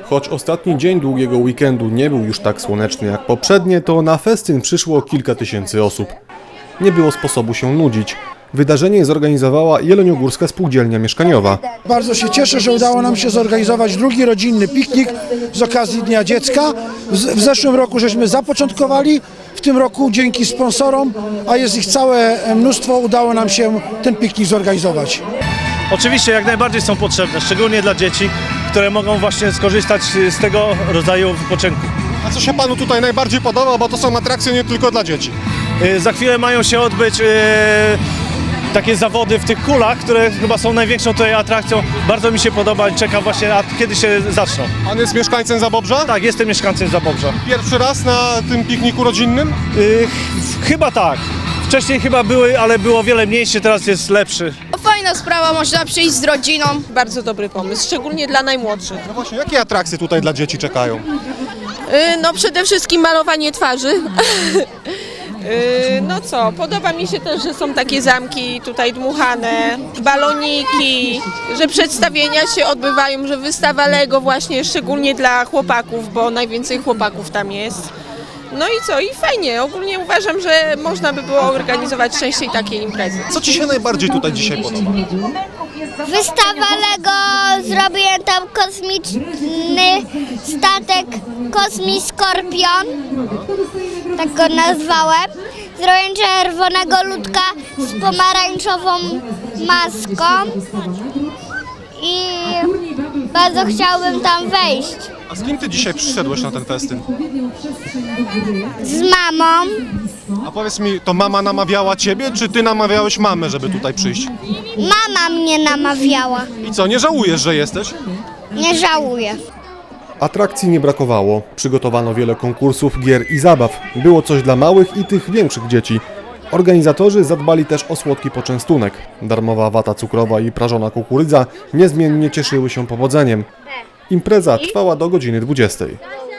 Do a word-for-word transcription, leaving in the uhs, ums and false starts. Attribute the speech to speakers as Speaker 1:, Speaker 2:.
Speaker 1: Choć ostatni dzień długiego weekendu nie był już tak słoneczny jak poprzednie, to na festyn przyszło kilka tysięcy osób. Nie było sposobu się nudzić. Wydarzenie zorganizowała Jeleniogórska Spółdzielnia Mieszkaniowa.
Speaker 2: Bardzo się cieszę, że udało nam się zorganizować drugi rodzinny piknik z okazji Dnia Dziecka. W zeszłym roku żeśmy zapoczątkowali, w tym roku dzięki sponsorom, a jest ich całe mnóstwo, udało nam się ten piknik zorganizować.
Speaker 3: Oczywiście jak najbardziej są potrzebne, szczególnie dla dzieci, które mogą właśnie skorzystać z tego rodzaju wypoczynku.
Speaker 4: A co się panu tutaj najbardziej podoba, bo to są atrakcje nie tylko dla dzieci?
Speaker 3: Yy, Za chwilę mają się odbyć yy, takie zawody w tych kulach, które chyba są największą tutaj atrakcją. Bardzo mi się podoba i czekam właśnie, a kiedy się zaczną.
Speaker 4: Pan jest mieszkańcem Zabobrza?
Speaker 3: Tak, jestem mieszkańcem Zabobrza.
Speaker 4: Pierwszy raz na tym pikniku rodzinnym?
Speaker 3: Yy, ch- chyba tak. Wcześniej chyba były, ale było wiele mniejsze, teraz jest lepszy.
Speaker 5: Fajna sprawa, można przyjść z rodziną.
Speaker 6: Bardzo dobry pomysł, szczególnie dla najmłodszych.
Speaker 4: No właśnie, jakie atrakcje tutaj dla dzieci czekają?
Speaker 6: Yy, No przede wszystkim malowanie twarzy. Yy, No co, podoba mi się też, że są takie zamki tutaj dmuchane, baloniki, że przedstawienia się odbywają, że wystawa Lego właśnie szczególnie dla chłopaków, bo najwięcej chłopaków tam jest. No i co, i fajnie, ogólnie uważam, że można by było organizować częściej takie imprezy.
Speaker 4: Co ci się najbardziej tutaj dzisiaj podoba?
Speaker 7: Wystawa Lego, zrobiłem tam kosmiczny statek Kosmi Skorpion, tak go nazwałem. Zrobiłem czerwonego ludka z pomarańczową maską i bardzo chciałbym tam wejść.
Speaker 4: A z kim ty dzisiaj przyszedłeś na ten festyn?
Speaker 7: Z mamą.
Speaker 4: A powiedz mi, to mama namawiała ciebie, czy ty namawiałeś mamę, żeby tutaj przyjść?
Speaker 7: Mama mnie namawiała.
Speaker 4: I co, nie żałujesz, że jesteś?
Speaker 7: Nie żałuję.
Speaker 1: Atrakcji nie brakowało. Przygotowano wiele konkursów, gier i zabaw. Było coś dla małych i tych większych dzieci. Organizatorzy zadbali też o słodki poczęstunek. Darmowa wata cukrowa i prażona kukurydza niezmiennie cieszyły się powodzeniem. Impreza trwała do godziny dwudziestej.